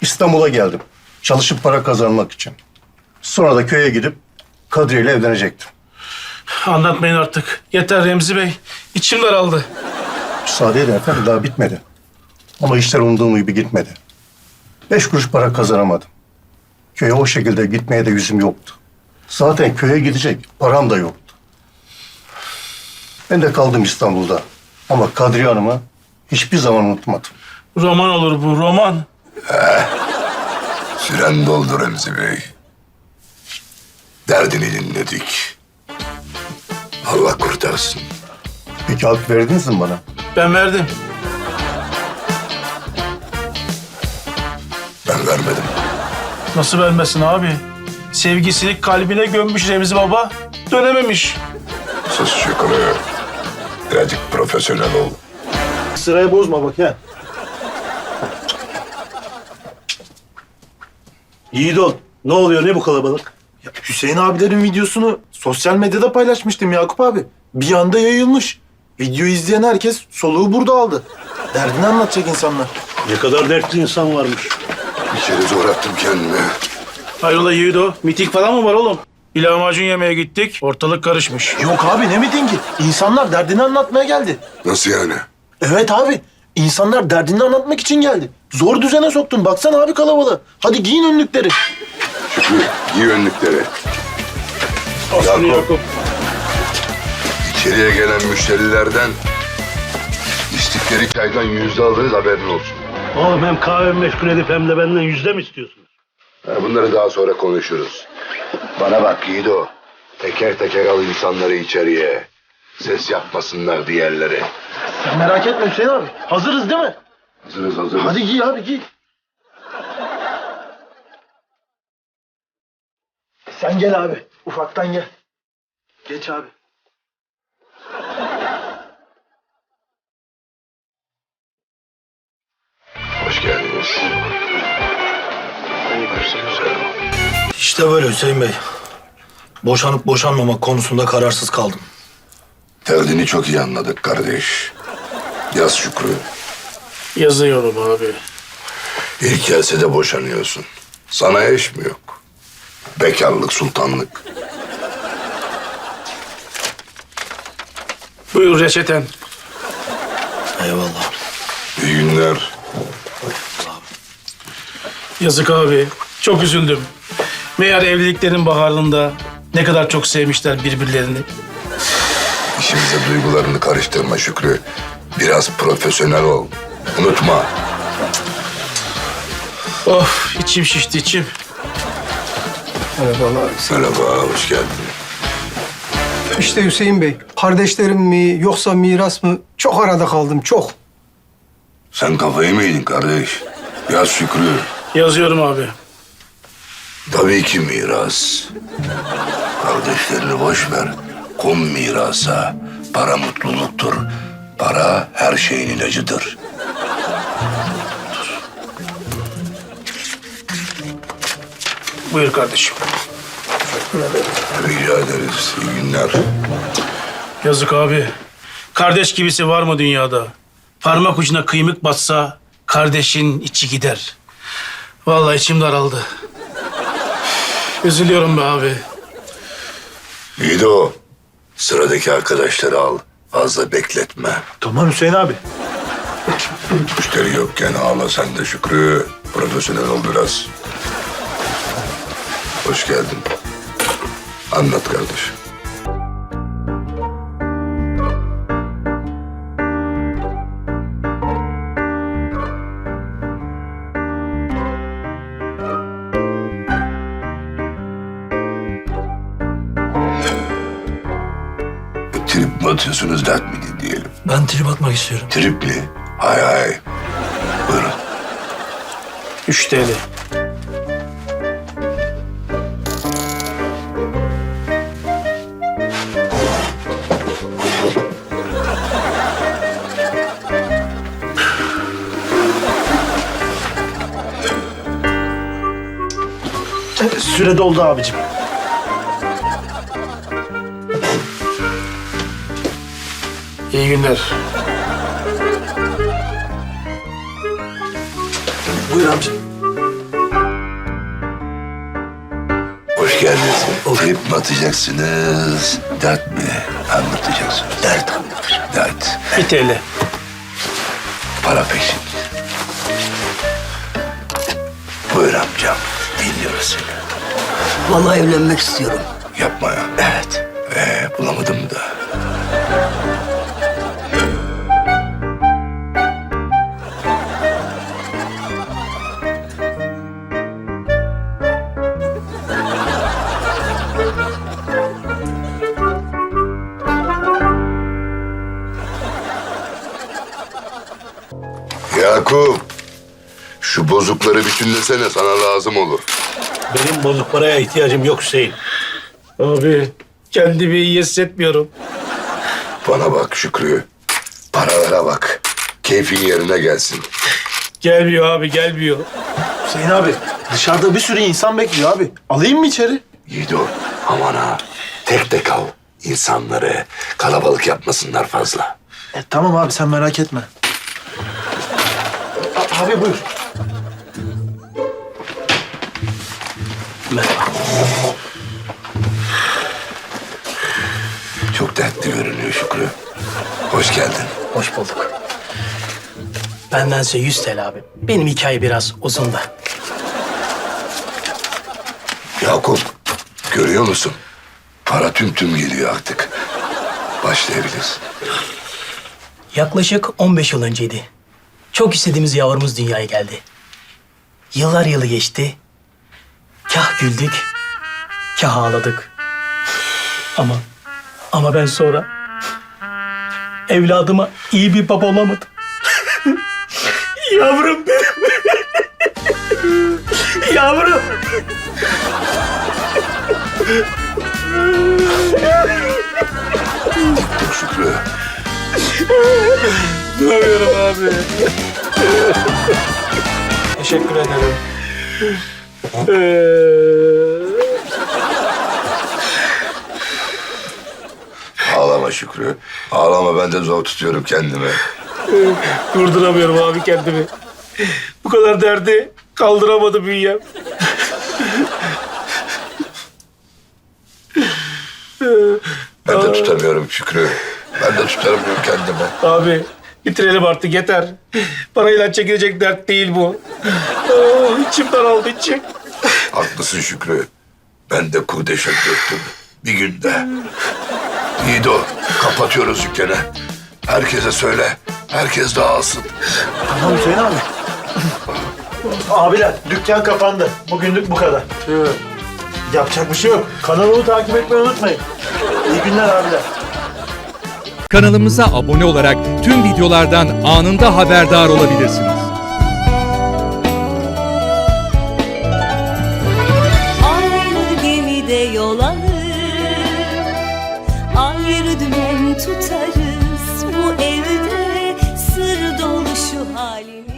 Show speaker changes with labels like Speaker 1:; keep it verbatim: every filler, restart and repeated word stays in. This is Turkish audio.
Speaker 1: İstanbul'a geldim. Çalışıp para kazanmak için. Sonra da köye gidip Kadriye ile evlenecektim.
Speaker 2: Anlatmayın artık. Yeter Remzi Bey. İçim daraldı.
Speaker 1: Müsaade edin efendim, daha bitmedi. Ama işler umduğum gibi gitmedi. Beş kuruş para kazanamadım. Köye o şekilde gitmeye de yüzüm yoktu. Zaten köye gidecek param da yoktu. Ben de kaldım İstanbul'da. Ama Kadriye Hanım'ı hiçbir zaman unutmadım.
Speaker 2: Roman olur bu, roman.
Speaker 3: Süren doldu Remzi Bey. Derdini dinledik. Allah kurtarsın.
Speaker 1: Peki hak verdiniz mi bana?
Speaker 2: Ben verdim.
Speaker 3: Ben vermedim.
Speaker 2: Nasıl vermesin abi? Sevgisini kalbine gömmüş Remzi Baba. Dönememiş.
Speaker 3: Sus Şükrü. Birazcık profesyonel ol.
Speaker 4: Sırayı bozma bak ha. Yiğit ol. Ne oluyor, ne bu kalabalık?
Speaker 5: Ya Hüseyin abilerin videosunu sosyal medyada paylaşmıştım Yakup abi. Bir anda yayılmış. Videoyu izleyen herkes soluğu burada aldı. Derdini anlatacak insanlar.
Speaker 4: Ne kadar dertli insan varmış.
Speaker 3: Bir kere zor attım kendimi.
Speaker 2: Hayrola Yiğido? Miting falan mı var oğlum? Bir lahmacun yemeye gittik. Ortalık karışmış.
Speaker 5: Yok abi ne mitingi? İnsanlar derdini anlatmaya geldi.
Speaker 3: Nasıl yani?
Speaker 5: Evet abi. İnsanlar derdini anlatmak için geldi. Zor düzene soktun. Baksana abi kalabalığı. Hadi giyin önlükleri.
Speaker 3: Şükrü, giy önlükleri.
Speaker 2: Aslı
Speaker 3: Yakup.
Speaker 2: Yakup.
Speaker 3: İçeriye gelen müşterilerden içtikleri çaydan yüzde alırız, haberin olsun.
Speaker 4: Oğlum hem kahve meşgul edip hem de benden yüzde mi istiyorsunuz?
Speaker 3: Ha, bunları daha sonra konuşuruz. Bana bak Yiğido. Teker teker al insanları içeriye. Ses yapmasınlar diğerleri.
Speaker 5: Sen merak etme Hüseyin abi. Hazırız değil mi?
Speaker 3: Hazırız hazırız.
Speaker 5: Hadi giy abi giy. Sen gel abi. Ufaktan gel. Geç abi.
Speaker 3: Hoş geldiniz. Güzel.
Speaker 6: İşte böyle Hüseyin Bey. Boşanıp boşanmamak konusunda kararsız kaldım.
Speaker 3: Derdini çok iyi anladık kardeş. Yaz Şükrü.
Speaker 2: Yazıyorum abi.
Speaker 3: İlk gelse de boşanıyorsun. Sana eş mi yok? Bekarlık, sultanlık.
Speaker 2: Buyur reçeten.
Speaker 6: Eyvallah.
Speaker 3: İyi günler.
Speaker 2: Yazık abi. Çok üzüldüm. Meğer evliliklerin baharında ne kadar çok sevmişler birbirlerini.
Speaker 3: İşimize duygularını karıştırma Şükrü. Biraz profesyonel ol. Unutma.
Speaker 2: Of içim şişti içim.
Speaker 7: Merhabalar.
Speaker 3: Merhaba, hoş geldin.
Speaker 7: İşte Hüseyin Bey, kardeşlerim mi yoksa miras mı? Çok arada kaldım, çok.
Speaker 3: Sen kafayı mı yedin kardeş? Yaz Şükrü.
Speaker 2: Yazıyorum abi.
Speaker 3: Tabii ki miras. Kardeşlerini boş ver. Kum mirasa. Para mutluluktur. Para her şeyin ilacıdır.
Speaker 2: Buyur kardeşim.
Speaker 3: Rica ederiz. İyi günler.
Speaker 2: Yazık abi. Kardeş gibisi var mı dünyada? Parmak ucuna kıymık batsa kardeşin içi gider. Vallahi içim daraldı. Üzülüyorum be abi.
Speaker 3: İyi de o. Sıradaki arkadaşları al. Fazla bekletme.
Speaker 5: Tamam Hüseyin abi.
Speaker 3: Müşteri yokken ağla sen de Şükrü. Profesyonel ol biraz. Hoş geldin. Anlat kardeşim. Trip mi atıyorsunuz, dert mi diyelim?
Speaker 6: Ben trip atmak istiyorum.
Speaker 3: Tripli. Hay hay. Buyurun.
Speaker 2: Üç T L.
Speaker 5: Süre doldu abicim.
Speaker 2: İyi günler.
Speaker 6: Buyur amca.
Speaker 3: Kerresi trip mi atacaksınız? Dert mi anlatacaksınız? Dert anlatacağım. Dert.
Speaker 2: Bir T L.
Speaker 3: Para peşin. Buyur amcam. Dinliyoruz seni.
Speaker 8: Vallahi evlenmek istiyorum.
Speaker 3: Yapma ya. Evet. Ee, bulamadım da. Yakup, şu bozukları bütünlesene, sana lazım olur.
Speaker 4: Benim bozuk paraya ihtiyacım yok Hüseyin.
Speaker 2: Abi kendimi iyi hissetmiyorum.
Speaker 3: Bana bak Şükrü, paralara bak. Keyfin yerine gelsin.
Speaker 2: Gelmiyor abi gelmiyor.
Speaker 5: Hüseyin abi dışarıda bir sürü insan bekliyor abi. Alayım mı içeri?
Speaker 3: Yiğido, aman ha. Tek tek al. İnsanları kalabalık yapmasınlar fazla.
Speaker 5: E, tamam abi sen merak etme. A- abi buyur.
Speaker 3: Çok dertli görünüyor Şükrü. Hoş geldin.
Speaker 9: Hoş bulduk. Bendense yüz T L abi. Benim hikaye biraz uzun da.
Speaker 3: Yakup, görüyor musun? Para tüm tüm geliyor artık. Başlayabiliriz.
Speaker 9: Yaklaşık on beş yıl önceydi. Çok istediğimiz yavrumuz dünyaya geldi. Yıllar yılı geçti. Kah güldük, kah ağladık. Ama, ama ben sonra evladıma iyi bir baba olamadım. Yavrum benim. Yavrum.
Speaker 3: Dur Şükrü.
Speaker 2: Duyuyorum abi.
Speaker 5: Teşekkür ederim.
Speaker 3: Ağlama Şükrü. Ağlama, ben de zor tutuyorum kendimi.
Speaker 2: Durduramıyorum abi kendimi. Bu kadar derdi kaldıramadı bünyem.
Speaker 3: Ben de tutamıyorum Şükrü. Ben de tutamıyorum kendimi.
Speaker 2: Abi bitirelim artık yeter. Parayla çekilecek dert değil bu. Aa, içim daraldı içim.
Speaker 3: Haklısın Şükrü. Ben de kurdeşe döktüm. Bir günde. Yiğido, kapatıyoruz dükkanı. Herkese söyle. Herkes dağılsın.
Speaker 5: Tamam Hüseyin abi. Abiler dükkan kapandı. Bugünlük bu kadar. Yapacak bir şey yok. Kanalımı takip etmeyi unutmayın. İyi günler abiler.
Speaker 10: Kanalımıza abone olarak tüm videolardan anında haberdar olabilirsiniz.
Speaker 11: Aynı gemide yol alır, ayrı dümen tutarız. Bu evde sır dolu şu halimiz.